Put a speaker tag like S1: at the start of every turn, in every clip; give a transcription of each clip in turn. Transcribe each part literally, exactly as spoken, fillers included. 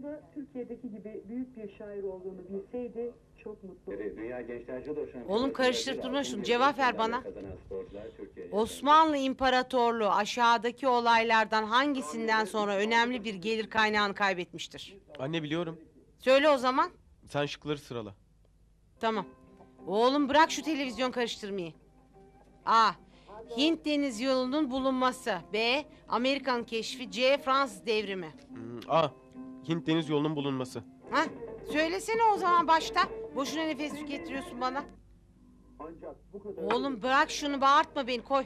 S1: da Türkiye'deki gibi büyük bir şair olduğunu bilseydi çok mutlu olurdu.
S2: Dünya Gençler Judo Şampiyonası.
S3: Oğlum karıştırıp durma şunu, cevap ver bana. Osmanlı İmparatorluğu aşağıdaki olaylardan hangisinden sonra önemli bir gelir kaynağını kaybetmiştir?
S4: Anne biliyorum.
S3: Söyle o zaman.
S4: Sen şıkları sırala.
S3: Tamam. Oğlum bırak şu televizyon karıştırmayı. A. Hint Deniz Yolu'nun bulunması. B. Amerikan keşfi. C. Fransız devrimi.
S4: Hmm, A. Hint Deniz Yolu'nun bulunması.
S3: Ha? Söylesene o zaman başta. Boşuna nefes tükettiriyorsun bana.
S1: Ancak bu kadar...
S3: Oğlum bırak şunu, bağırtma beni, koy.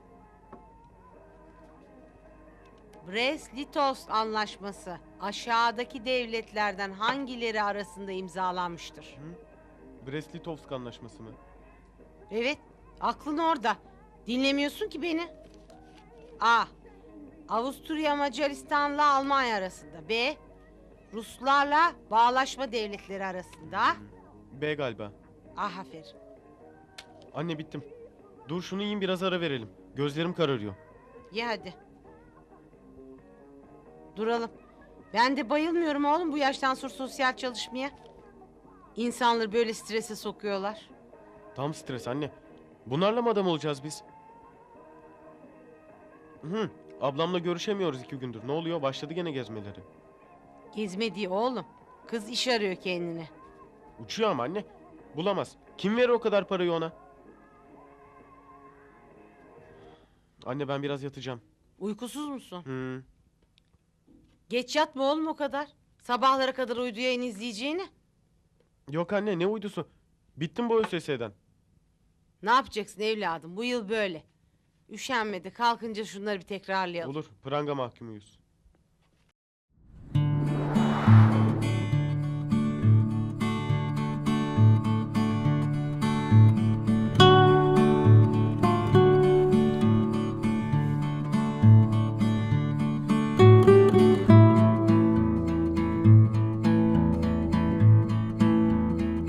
S3: Brest-Litovsk Anlaşması aşağıdaki devletlerden hangileri arasında imzalanmıştır?
S4: Brest-Litovsk Anlaşması mı?
S3: Evet, aklın orada. Dinlemiyorsun ki beni. A. Avusturya Macaristan'la Almanya arasında. B. Ruslarla Bağlaşma Devletleri arasında.
S4: B galiba.
S3: Ah, aferin.
S4: Anne bittim. Dur şunu yiyin, biraz ara verelim. Gözlerim kararıyor.
S3: Ye hadi. Duralım. Ben de bayılmıyorum oğlum bu yaştan sonra sosyal çalışmaya. İnsanları böyle strese sokuyorlar.
S4: Tam stres anne. Bunlarla mı adam olacağız biz? Hı, ablamla görüşemiyoruz iki gündür. Ne oluyor? Başladı gene gezmeleri.
S3: Gezme diye oğlum. Kız iş arıyor kendine.
S4: Uçuyor ama anne. Bulamaz. Kim verir o kadar parayı ona? Anne ben biraz yatacağım.
S3: Uykusuz musun?
S4: Hı.
S3: Geç yatma oğlum o kadar. Sabahlara kadar uydu yayın izleyeceğini.
S4: Yok anne, ne uydusu? Bittim bu ÖSS'den.
S3: Ne yapacaksın evladım, bu yıl böyle. Üşenmedi, kalkınca şunları bir tekrarlayalım.
S4: Olur, pranga mahkumuyuz.